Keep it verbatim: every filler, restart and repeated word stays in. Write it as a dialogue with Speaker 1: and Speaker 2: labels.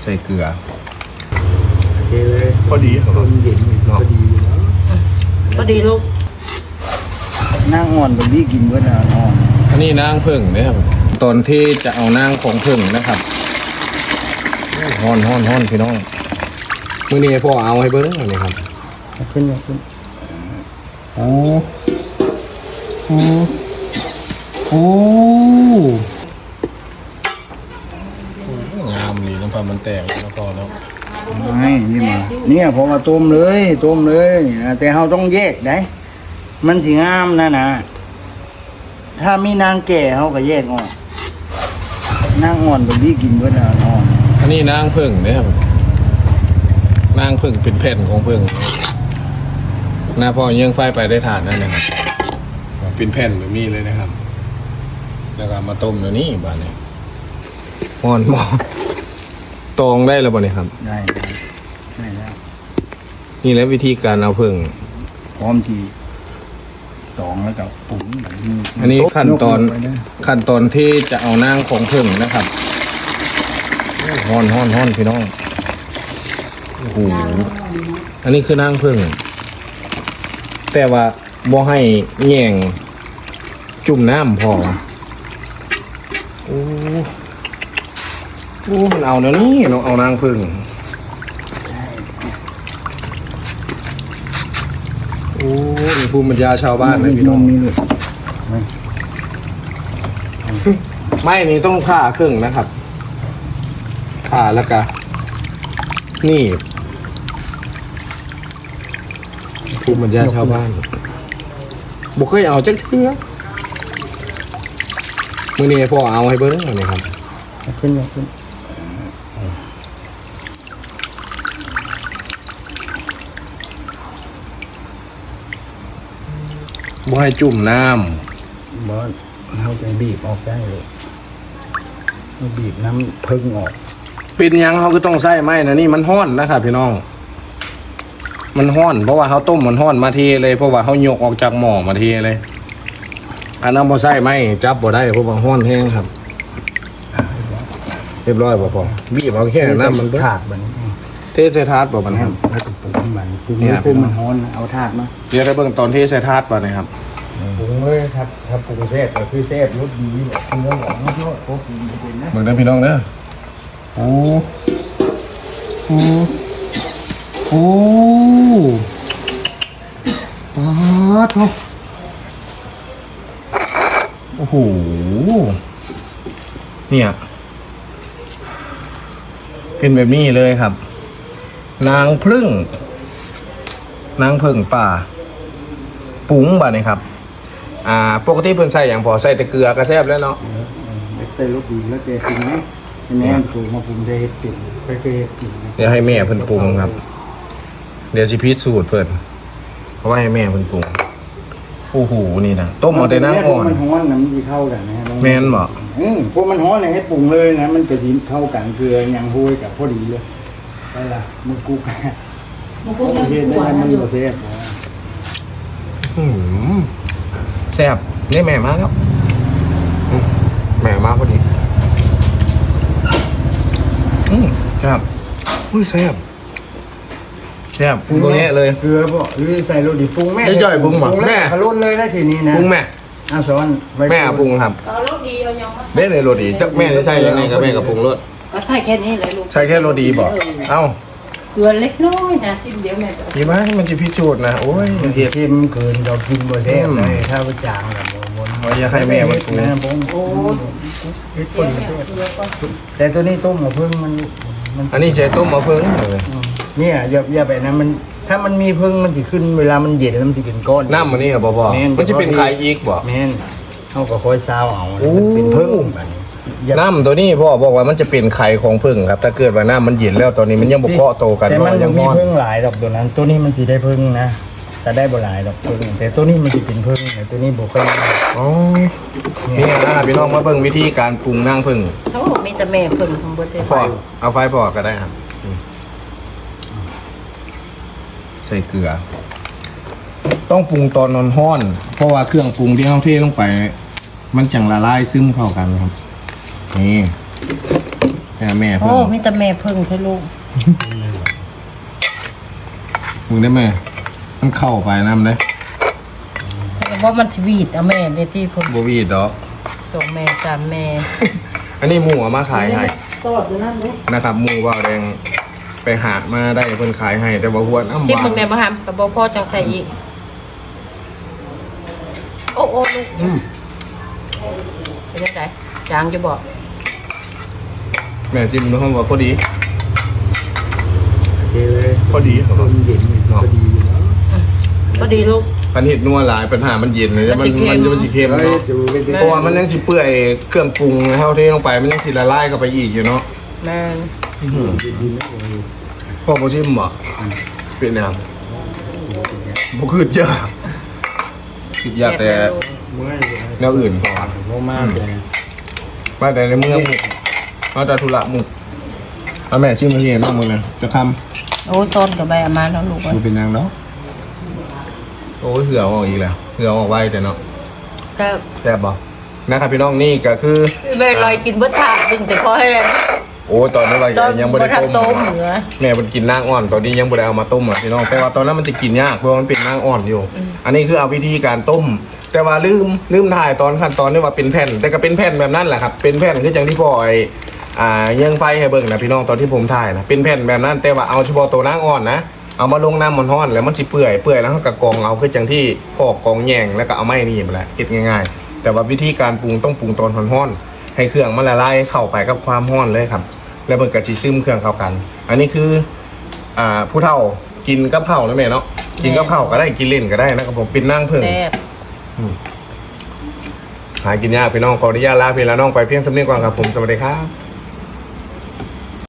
Speaker 1: ใส่เกลือ
Speaker 2: โอเคเลย
Speaker 1: พอดี
Speaker 2: คนเย็นพอดี
Speaker 3: พอดีลูก
Speaker 2: นั่งอ่อนแบบนี้กินเมื่อนาอน
Speaker 1: อันนี้นางผึ่งนะครับตอนที่จะเอานางของผึ่งนะครับฮ้อนฮ้อนฮ้อนพี่น้องมื่อนี้พ่อเอาให้เบิ้งอันนี้ครับ
Speaker 2: ขึ้นขึ้น
Speaker 1: โอ้โอ้โอ้งามดีน้ำปลามันแตกแล้วพอแล้ว
Speaker 2: ไม่นี่มาเนี่ยพอมาต้มเลยต้มเลยแต่เราต้องแยกได้มันสิงามนะนะถ้ามีนางแก่เขาก็แยกออกนางอ่อนแบบนี้กินเมื่อนาอน
Speaker 1: อันนี้นางผึ่งนะครับนางผึ่งเป็นแผ่นของผึ่งหน้าพ่อยังไฟไปได้ทานนั่นนะครับเป็นแผ่นแบบนี้เลยนะครับแล้วก็มาต้มเดี๋ยวนี้บ้านนี้หอนหม้อตองได้แล้วบ่เนี่ยครับ
Speaker 2: ได้ได้ได้แล้ว
Speaker 1: นี่แหละวิธีการเอาผึ่ง
Speaker 2: พร้อมทีตองแล้วก็ปุ๋งแบบนี้
Speaker 1: อันนี้ขั้นตอนขั้นตอนที่จะเอานางของผึ่งนะครับฮ้อนฮ้อนฮ้อนพี่น้องโอ้โหอันนี้คือนางผึ่งแต่ว่าบ่ให้แง่งจุ่มน้ำพอโอ้โอ้มันเอาเดี๋ยวนี้เราเอานางผึ่งโอ้นี่ภูมิปัญญาชาวบ้านนะพี่น้อง
Speaker 2: มีเลย
Speaker 1: ไม่นี่ต้องผ่าครึ่งนะครับผ่าแล้วก็นี่ภูมิปัญญาชาวบ้านบุกเคยเอาจักเทื่อมื่อนี้พ่อเอาให้เบิ้งอันนี้ครับ
Speaker 2: ขึ้นขึ้น
Speaker 1: บ่ให้จุ่มน้
Speaker 2: ำบ่เขาจะบีบออกได้เลยบีบน้ำพึ่งออก
Speaker 1: เป็นยังเขาก็ต้องใส่ไม้นะนี่มันห้อนนะครับพี่น้องมันห้อนเพราะว่าเขาต้มมันห้อนมาทีเลยเพราะว่าเขายกออกจากหม้อมาทีเลยอันนั้นบ่ใส่ไม้จับบ่ได้เพราะว่าห้อนแห้งครับเรียบร้อยบ่พอบีบเอาแค่น้ำมัน
Speaker 2: ถาดมัน
Speaker 1: เทใส่ถาดบ่มันครับ
Speaker 2: แล้วก็ปรุงมันปรุงให้ปรุงมันฮ้อนเอาถาดมา
Speaker 1: เดี๋ยวได้เบิ่งตอนเทใส่ถาดบ่นะครับ
Speaker 2: ปรุงเลยครับถ้าปรุงแซ่บก็คือแซ่บรสดีแบบเนื้อหวานไม่ชอบโอ้กินเป็นนะ
Speaker 1: เบิ่งเด้อพี่น้องเด้อโอ้โอ้โอ้ป๊าดโธ่โอ้โหเนี่ยเป็นแบบนี้เลยครับ นางผึ้งนางผึ้งป่าปุ๋งบ่เนี่ยครับอ่าปกติเพิ่นใส่อย่างพอใส่แต่เกลือก็แซ่บแล้วเนาะ
Speaker 2: เต้รสดีแล้วแต่ปรุงไหมแม่ปรุงมาปรุงได้เปลี่ยนไปเคยกิน
Speaker 1: เดี๋ยวให้แม่เพิ่นปรุงครับเดี๋ยวสิพิสูจน์เพิ่นเพราะว่าให้แม่เพิ่นปรุงโอ้โหนี่นะต้มเอาแต่น้ำอ่อน
Speaker 2: มันฮ้อนน้ำดีเข้ากันนะ
Speaker 1: แม่นบ่
Speaker 2: อืมพวกมันฮ้อนเลยให้ปรุงเลยนะมันจะสิเข้ากันเกลือยังห้วยกับพอดีเลยได้ละมึงกุ๊กมึงกุ๊กเฮ็ดได้มันบ่แซ่บ
Speaker 1: อืมแซ่บนี่แม่มาแล้วแม่มาพอดีอืมแซ่บอุ้ยแซ่บแซ่บปรุงตัวนี้เลย
Speaker 2: เกลือบ่หรือใส่โรดีปรุงแม่
Speaker 1: จ่อยปรุงบ่แม่
Speaker 2: ขลุ่นเลยนะทีนี้นะ
Speaker 1: ปรุงแม่
Speaker 2: อ้าวสอน
Speaker 1: แม่ปรุงครับ
Speaker 3: ก็โรดีเอายัง
Speaker 1: เด้เลยโรดีจักแม่จะใส่ยังไงกับแม่กับปรุงรส
Speaker 3: ก็ใส่แค่นี้เลยลูก
Speaker 1: ใส่แค่โรดีบ่เอ้า
Speaker 3: เกลือเล็กน้อยนะซิมเดียวแม่
Speaker 1: ดีมากมันจะพิจูดนะโอ้ย
Speaker 2: เห็ดเค็มเกินเรากินบ่แซ่บเลยถ้าไปจางละบ่บ่
Speaker 1: ว่าอย่าให้แม่มันปรุง
Speaker 2: โอ้เฮ็ดคนแต่ตัวนี้ต้มกับพึ่งมัน
Speaker 1: อันนี้ใช้ต้มมะเฟืองเลย
Speaker 2: เนี่ยอย่าอย่าแบบนั้นมันถ้ามันมีพึ่งมันจะขึ้นเวลามันเย็นแล้วมันจะเป็นก้อน
Speaker 1: น้ำมันนี่บ่บ่มันจะเป็นไข่อีกบ่
Speaker 2: แม่นเขาก็ค่อยซาวเอาเป็นพึ่งแบบนี้
Speaker 1: น้ำตัวนี้พ่อบอกว่ามันจะเป็นไข่ของพึ่งครับถ้าเกิดว่าน้ำมันเย็นแล้วตอนนี้มันยังบ่เคาะโตกัน
Speaker 2: แต่มันยังมีพึ่งหลายดอกตัวนั้นตัวนี้มันสิได้พึ่งนะแต่ได้บ่หลายดอกพึ่งแต่ตัวนี้มันสิเป็นพึ่งแต่ตัวนี้บ่ค่อย
Speaker 1: อ๋อนี่นะพี่น้องมาเบิ่งวิธีการปรุงนางพึ่ง
Speaker 3: เขาบอกมีแต่แม่พึ่งของบ่ได้
Speaker 1: พ่อเอาไฟพอก็ได้ครับใส่เกลือต้องปรุงตอนนอนห้อนเพราะว่าเครื่องปรุงที่เฮาเทลงไปมันจังละลายซึมเข้ากันครับนี่ม่แม่
Speaker 3: โอ้
Speaker 1: เพิ่ง
Speaker 3: มีแต่แม่เพิ่งเท่าลูก
Speaker 1: มึงได้ไหมมันเข้าไปน้ำได้
Speaker 3: แต่ว่ามันสวีทเอาแม่ในที่เพิ่น
Speaker 1: บวีดดอก
Speaker 3: สองแม่สามแม่
Speaker 1: อันนี้หมูเอามาขายให้
Speaker 3: ตอดอยู่นั่นเลย
Speaker 1: นะครับหมูว่าวแดงไปหามาได้เพิ่นขายให้ แต่ว่าหัวน้ำห
Speaker 3: ซิม
Speaker 1: วา
Speaker 3: มึ
Speaker 1: น
Speaker 3: งได้บ่ฮัมกับบ่พ่อจังใส่อีกโอ้โอ้ลูก
Speaker 1: อืม
Speaker 3: เป็นจังไดจางจะบอก
Speaker 1: แม่จิ้มน้องว่าพอดี
Speaker 2: โอเคเลย
Speaker 1: พอดีครับ
Speaker 2: ต้มเย็นก็ดีอยู่แล้ว
Speaker 3: ก็ดีลูก
Speaker 1: พันเห็ดนัวหลายปัญหามันเย็นเลย
Speaker 3: มั
Speaker 1: มัน
Speaker 3: นสิเค็
Speaker 1: มัน
Speaker 3: ม
Speaker 1: มันสิเค็ม
Speaker 2: เฮ้ย
Speaker 1: เนาะ
Speaker 2: ดูไปดิ
Speaker 1: เพราะว่ามันยังสิเปื่อยเครื่องปรุงเท่าที่ลงไปมันยังสิละลายเข้าไปอีกอยู่เนาะ
Speaker 3: แม่น
Speaker 1: พ่อบ่ชิมบ่เป็นแนวบ่คือเยอะคิดยากแต่
Speaker 3: ซ่บลูก
Speaker 2: เมื่อย
Speaker 1: แนวอื่นก่อน
Speaker 2: เพราะมากเลย
Speaker 1: มาแต่ในเมืองหมุกมาแต่ธุระหมุกเอาแม่ชิมมาเห็นน้องมึงนะจะท
Speaker 3: โอ้ซ้อนกับใบอามาแล้วลูก
Speaker 1: ำ
Speaker 3: เอ้ย
Speaker 1: ดูเป็นยังเนาะโอ้ยเหือออกอีกแล้วเหือออกไวแต่เนาะ
Speaker 3: ก็
Speaker 1: แซ่บบ่นะครับพี่น้องนี่ก็คือ
Speaker 3: เวลอยกินบ่ทาดึงแต่พอให้
Speaker 1: โอ้ตอนนั้นเรา
Speaker 3: ตอน
Speaker 1: ยังไม่ได้
Speaker 3: ทัน
Speaker 1: ต้ม
Speaker 3: ต้มเหนือ
Speaker 1: แม่มันกินนางอ่อนตอนนี้ยังไม่ได้เอามาต้มอ่ะพี่น้องแต่ว่าตอนนั้นมันจะกินยากเพราะว่ามันเป็นนางอ่อนอยู่ อันนี้คือเอาวิธีการต้ม แต่ว่าลืมลืมถ่ายตอนขั้นตอนที่ว่าเป็นแผ่น แต่ก็เป็นแผ่นแบบนั้นแหละครับเป็นแผ่นคืออย่างที่พ่อไอ้อ่าเยื่องไฟให้เบิ่งนะพี่น้องตอนที่ผมถ่ายนะเป็นแผ่นแบบนั้นแต่ว่าเอาเฉพาะตัวนางอ่อนนะเอามาลงน้ำมันร้อนแล้วมันสิเปื่อยเปื่อยแล้วก็กรองเอาคืออย่างที่พ่อกรองแยงแล้วก็เอาไม้นี่มาแหละคิดง่ายๆ แต่ว่าวิธีการปรุงต้องปรุงตอนร้อนๆให้เครื่องมันละลายเข้าไปกับความร้อนเลยครับ แล้วมันก็จะซึมเครื่องเข้ากัน อันนี้คือ อ่า ผู้เฒ่ากินกับข้าวนะแม่เนาะ กินกับข้าวก็ได้ กินเล่นก็ได้นะครับผมเป็นนั่งเพิ่ง
Speaker 3: แซ่บ
Speaker 1: หากินยากพี่น้องขออนุญาตลาพี่แล้วน้องไปเพียงสำเนียงก่อนครับผม สวัสดีครับ